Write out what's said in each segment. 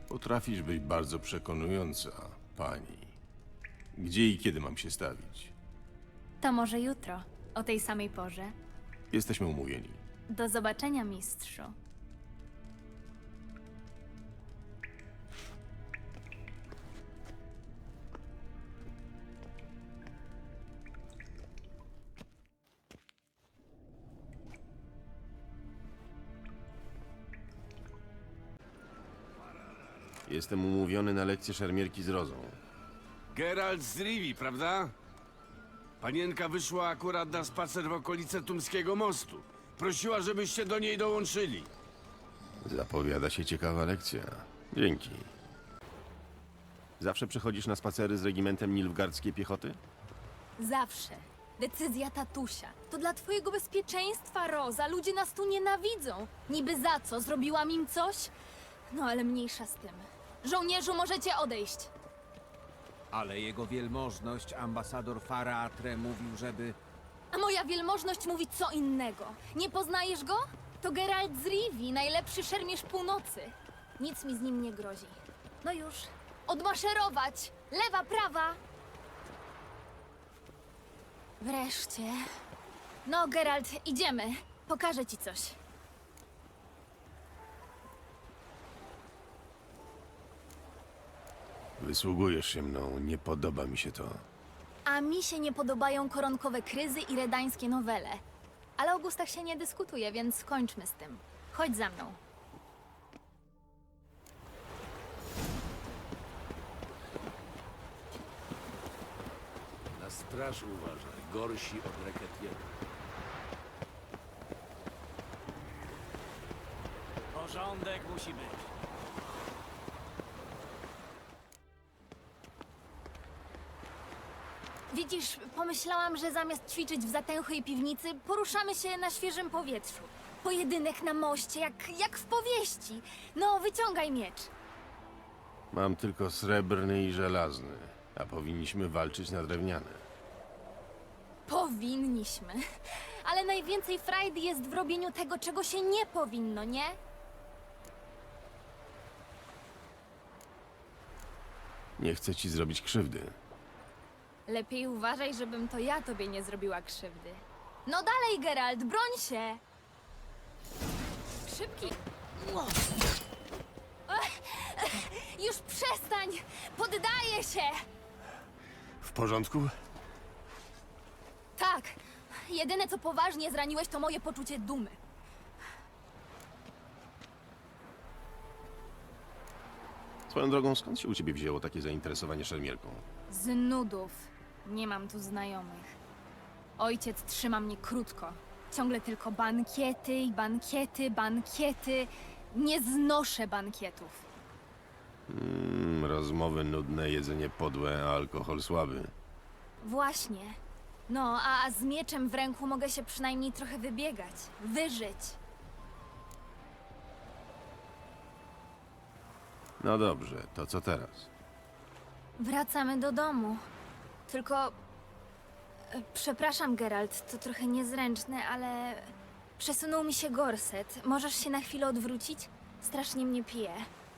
Potrafisz być bardzo przekonująca, pani. Gdzie i kiedy mam się stawić? To może jutro, o tej samej porze. Jesteśmy umówieni. Do zobaczenia, mistrzu. Jestem umówiony na lekcję szermierki z Rozą. Geralt z Rivi, prawda? Panienka wyszła akurat na spacer w okolice Tumskiego Mostu. Prosiła, żebyście do niej dołączyli. Zapowiada się ciekawa lekcja. Dzięki. Zawsze przychodzisz na spacery z regimentem nilfgaardzkiej piechoty? Zawsze. Decyzja tatusia. To dla twojego bezpieczeństwa, Roza. Ludzie nas tu nienawidzą. Niby za co? Zrobiłam im coś? No ale mniejsza z tym. Żołnierzu, możecie odejść. Ale jego wielmożność, ambasador Faratre, mówił, żeby... A moja wielmożność mówi co innego. Nie poznajesz go? To Geralt z Rivi, najlepszy szermierz północy. Nic mi z nim nie grozi. No już. Odmaszerować! Lewa, prawa! Wreszcie. No, Geralt, idziemy. Pokażę ci coś. Wysługujesz się mną, nie podoba mi się to. A mi się nie podobają koronkowe kryzy i redańskie nowele. Ale o gustach się nie dyskutuje, więc skończmy z tym. Chodź za mną. Na straż uważaj, gorsi od reketierów. Porządek musi być. Widzisz, pomyślałam, że zamiast ćwiczyć w zatęchłej piwnicy, poruszamy się na świeżym powietrzu. Pojedynek na moście, jak w powieści. No, wyciągaj miecz. Mam tylko srebrny i żelazny, a powinniśmy walczyć na drewniane. Powinniśmy. Ale najwięcej frajdy jest w robieniu tego, czego się nie powinno, nie? Nie chcę ci zrobić krzywdy. Lepiej uważaj, żebym to ja tobie nie zrobiła krzywdy. No dalej, Geralt, broń się! Szybki! Już przestań! Poddaję się! W porządku? Tak. Jedyne, co poważnie zraniłeś, to moje poczucie dumy. Swoją drogą, skąd się u ciebie wzięło takie zainteresowanie szermierką? Z nudów. Nie mam tu znajomych. Ojciec trzyma mnie krótko. Ciągle tylko bankiety i bankiety, bankiety. Nie znoszę bankietów. Rozmowy nudne, jedzenie podłe, a alkohol słaby. Właśnie. No, a z mieczem w ręku mogę się przynajmniej trochę wybiegać. Wyżyć. No dobrze, to co teraz? Wracamy do domu. Tylko... Przepraszam, Geralt, to trochę niezręczne, ale... Przesunął mi się gorset. Możesz się na chwilę odwrócić? Strasznie mnie pije.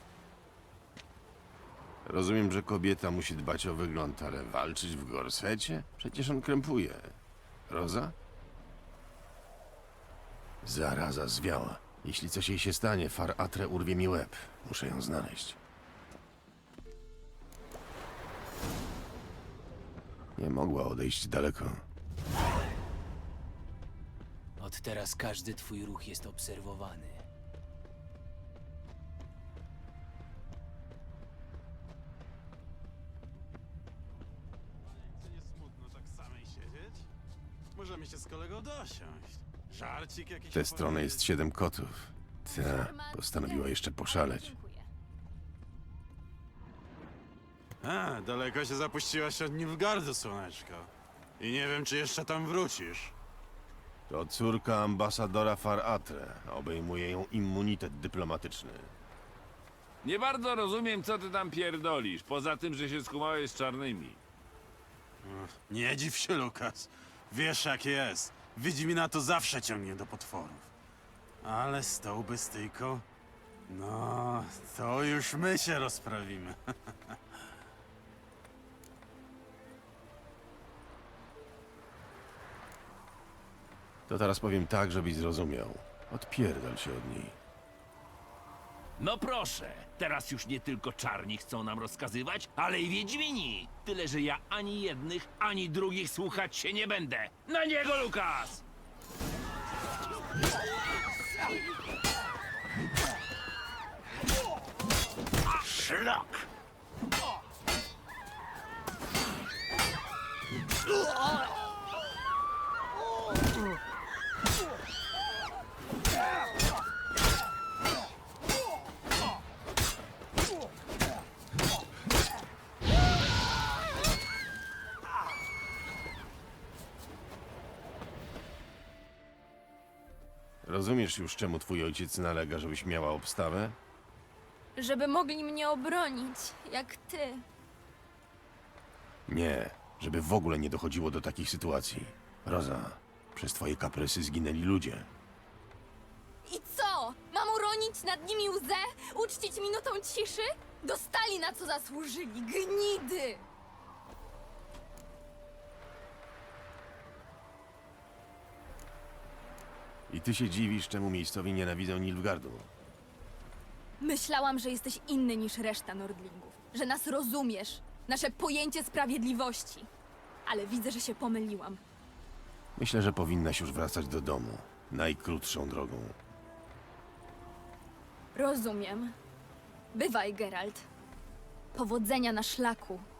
Rozumiem, że kobieta musi dbać o wygląd, ale walczyć w gorsecie? Przecież on krępuje. Roza? Zaraza zwiała. Jeśli coś jej się stanie, Faratre urwie mi łeb. Muszę ją znaleźć. Nie mogła odejść daleko. Od teraz każdy twój ruch jest obserwowany. Nie smutno tak samej siedzieć? Możemy się z kolegą dosiąść. Żarcik jakiś W tę stronę jest 7 kotów. Ta postanowiła jeszcze poszaleć. Dziękuję. A, daleko się zapuściłaś od Nilfgaardu, słoneczko. I nie wiem, czy jeszcze tam wrócisz. To córka ambasadora Faratre. Obejmuje ją immunitet dyplomatyczny. Nie bardzo rozumiem, co ty tam pierdolisz, poza tym, że się skumałeś z czarnymi. Nie dziw się, Lukas. Wiesz, jak jest. Wiedźmina to zawsze ciągnie do potworów. Ale z tą bestyjką No, to już my się rozprawimy. To teraz powiem tak, żebyś zrozumiał. Odpierdol się od niej. No proszę, teraz już nie tylko czarni chcą nam rozkazywać, ale i wiedźmini. Tyle, że ja ani jednych, ani drugich słuchać się nie będę. Na niego, Lukas! Szlak! Rozumiesz już, czemu twój ojciec nalega, żebyś miała obstawę? Żeby mogli mnie obronić, jak ty. Nie, żeby w ogóle nie dochodziło do takich sytuacji. Roza, przez twoje kaprysy zginęli ludzie. I co? Mam uronić nad nimi łzę? Uczcić minutą ciszy? Dostali na co zasłużyli, gnidy! I ty się dziwisz, czemu miejscowi nienawidzą Nilfgaardu. Myślałam, że jesteś inny niż reszta Nordlingów. Że nas rozumiesz. Nasze pojęcie sprawiedliwości. Ale widzę, że się pomyliłam. Myślę, że powinnaś już wracać do domu. Najkrótszą drogą. Rozumiem. Bywaj, Geralt. Powodzenia na szlaku.